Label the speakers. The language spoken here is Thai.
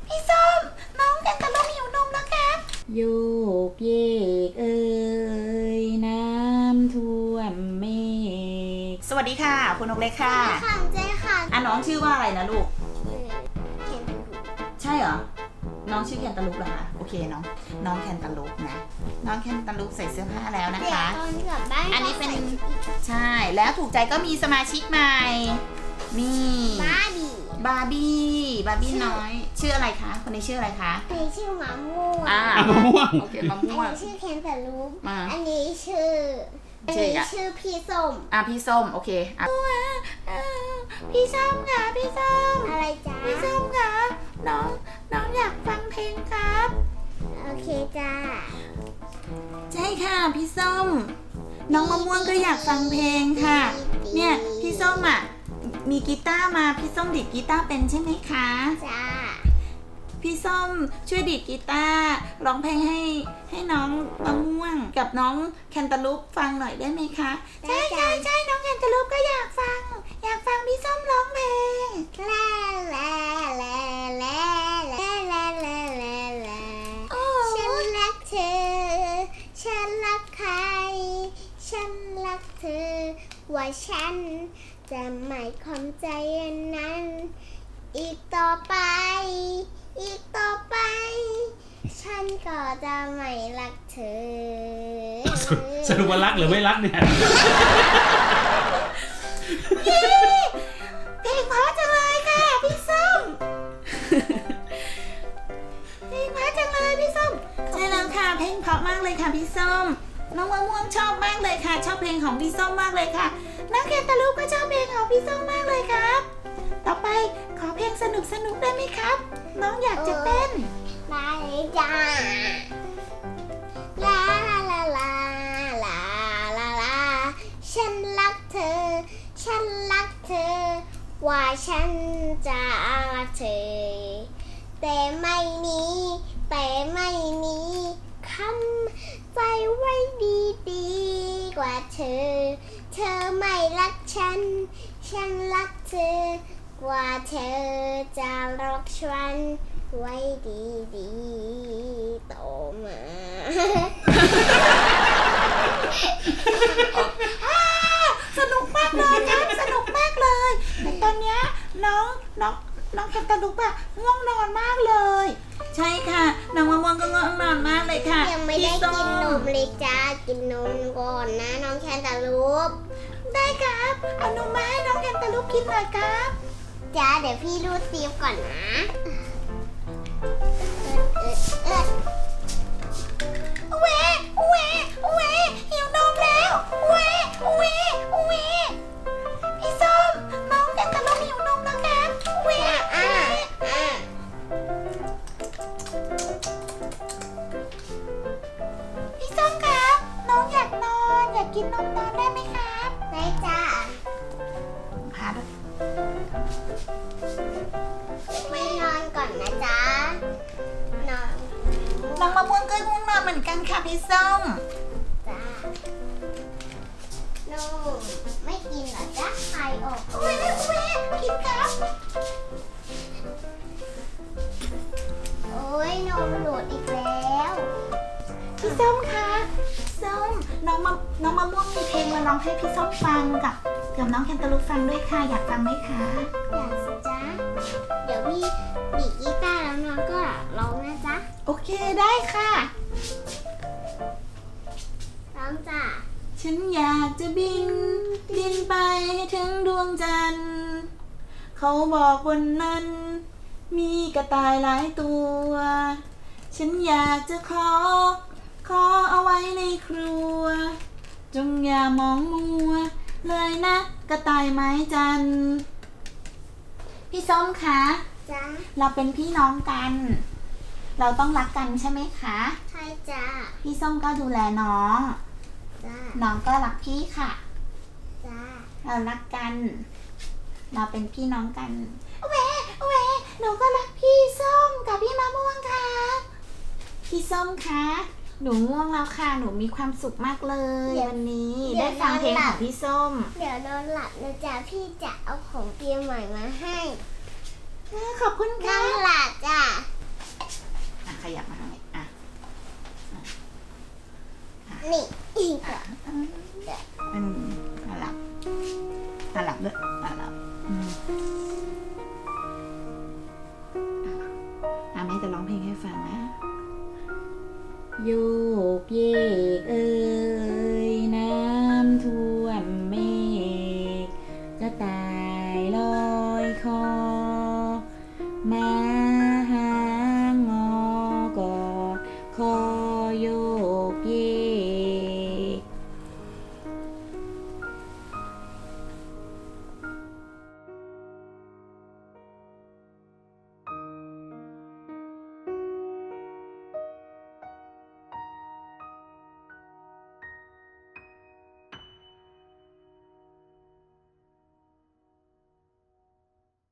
Speaker 1: พี่ส้มน้องแคนตาลูปหิวนมแล้วครับโยกเยกเอ้ยน้ำท่วมเมฆสวัสดีค่ะคุณนกเล็กค่ะ
Speaker 2: ค่ะเจ๊ค่ะ
Speaker 1: น้องชื่อว่าอะไรนะลูก
Speaker 2: แคนตาลูป
Speaker 1: ใช่เหรอน้องชื่อแคนตาลูปเหรอคะโอเคน้องแคนตาลูปนะน้องแคนตาลูปใส่เสื้อผ้าแล้วนะคะ
Speaker 2: ตอนกลับบ้าน
Speaker 1: อันนี้เป็นใช่แล้วถูกใจก็มีสมาชิกใหม่นี่
Speaker 2: บาร์
Speaker 1: บี้น้อยชื่ออะไรคะคนนี้ชื่ออะไรคะ
Speaker 2: อันนี้ชื่อมะม่วง
Speaker 3: มะม่วง
Speaker 1: โอเคมะม่วง
Speaker 2: อันนี้ชื่อแคนตาลูปอันนี้ชื่อพี่ส้ม
Speaker 1: พี่ส้มโอเคพี่ส้มค่ะพี่ส้ม
Speaker 2: อะไรจ๊ะ
Speaker 1: พี่ส้มค่ะน้องอยากฟังเพลงครับ
Speaker 2: โอเคจ้า
Speaker 1: ใช่ค่ะพี่ส้มน้องมะม่วงก็อยากฟังเพลงค่ะเนี่ยพี่ส้มมีกีตาร์มาพี่ส้มดีดกีตาร์เป็นใช่ไหมคะ
Speaker 2: จ้า
Speaker 1: พี่ส้มช่วยดีดกีตาร์ร้องเพลงให้น้องมะม่วงกับน้องแคนตาลูปฟังหน่อยได้ไหมคะใช่น้องแคนตาลูปก็อยากฟังพี่ส้มร้องเพลง
Speaker 2: ลาลาลาลาลาลาลาลาลาฉันรักเธอฉันรักใครฉันรักเธอว่าฉันจะไม่คอนใจอันนั้นอีกต่อไปฉันก็จะไม่รักเธอ
Speaker 3: สรุปว่ารักหรือไม่รักเนี่ย
Speaker 1: เพลงเพราะจังเลยค่ะพี่ส้มเพลงเพราะจังเลยพี่ส้มใช่แล้วค่ะเพลงเพราะมากเลยค่ะพี่ส้มน้องมะม่วงชอบมากเลยค่ะชอบเพลงของพี่ส้มมากเลยค่ะน้องแคนตาลูปก็ชอบเพลงของพี่ส้มมากเลยครับต่อไปขอเพลงสนุกได้ไหมครับน้องอยากจะเต้น
Speaker 2: ได้จ้าลาลาลาลาลาลาลาฉันรักเธอว่าฉันจะรักเธอแต่ไม่มีคำใจไว้ดีกว่าเธอไม่รักฉันรักเธอกว่าเธอจะรักฉันไว้ดีโตมา
Speaker 1: สนุกมากเลยครับสนุกมากเลยแต่ตอนเนี้ยน้องแคนตาลูปง่วงนอนมากเลยใช่ค่ะน้องมะม่วงก็ง่วงนอนมากเลยค่ะ
Speaker 2: ยังไม่ได้กินนมเลยจ้ากินนมก่อนนะน้องแคนตาลูป
Speaker 1: ได้ครับเอานมมาให้น้องแคนตาลูปกินหน่อยครับ
Speaker 2: จ้าเดี๋ยวพี่รูดซีฟก่อนนะ
Speaker 1: หิวนมแล้วพี่ส้มน้องแคนตาลูปหิวนมแล้วครับพี่ส้มครับน้องอยากนอนอยากกินนมนอนได้ไหมครับ
Speaker 2: ได้จ้า
Speaker 1: พาด้วย
Speaker 2: ไม่นอนก่อนนะจ๊ะ
Speaker 1: น้องมะม่วงก็ง่วงนอนเหมือนกันค่ะพี่ส้ม
Speaker 2: จ้าไม่กินเหรอจ๊ะใครออก
Speaker 1: กินครับ
Speaker 2: โอ้ยนมหลุดอีกแล้ว
Speaker 1: พี่ส้มคะส้มน้องมะม่วงมีเพลงมาร้องให้พี่ส้มฟังกับน้องแคนตาลูปฟังด้วยค่ะอยากฟังไหมคะ
Speaker 2: อยากสิจ๊ะเดี๋ยวพี่ดีดกีตาร์แล้วน้องก็ร้องนะจ๊ะ
Speaker 1: โอเคได้ค่ะ
Speaker 2: ร้องจ้ะ
Speaker 1: ฉันอยากจะบินไปให้ถึงดวงจันทร์เขาบอกบนนั้นมีกระต่ายหลายตัวฉันอยากจะขอเอาไว้ในครัวจงอย่ามองมัวเลยนะกระต่ายไม้จันทร์พี่ส้มคะ
Speaker 2: จ้ะ
Speaker 1: เราเป็นพี่น้องกันเราต้องรักกันใช่ไหมคะ
Speaker 2: ใช่จ้ะ
Speaker 1: พี่ส้มก็ดูแลน้องน้องก็รักพี่ค่ะเรารักกันเราเป็นพี่น้องกันหนูก็รักพี่ส้มกับพี่มะม่วงค่ะพี่ส้มคะหนูง่วงแล้วค่ะหนูมีความสุขมากเลยวันนี้ได้ฟังเพลงของพี่ส้ม
Speaker 2: เดี๋ยวนอนหลับนะจ๊ะพี่จะเอาของเตรียมใหม่มาให้
Speaker 1: ขอบคุณค่ะ
Speaker 2: นอนหลับจ้ะ
Speaker 1: จะร้องเพลงให้ฟังนะ โยกเยกเอ่ยน้ำท่วมเมฆกระต่ายลอยคอ มา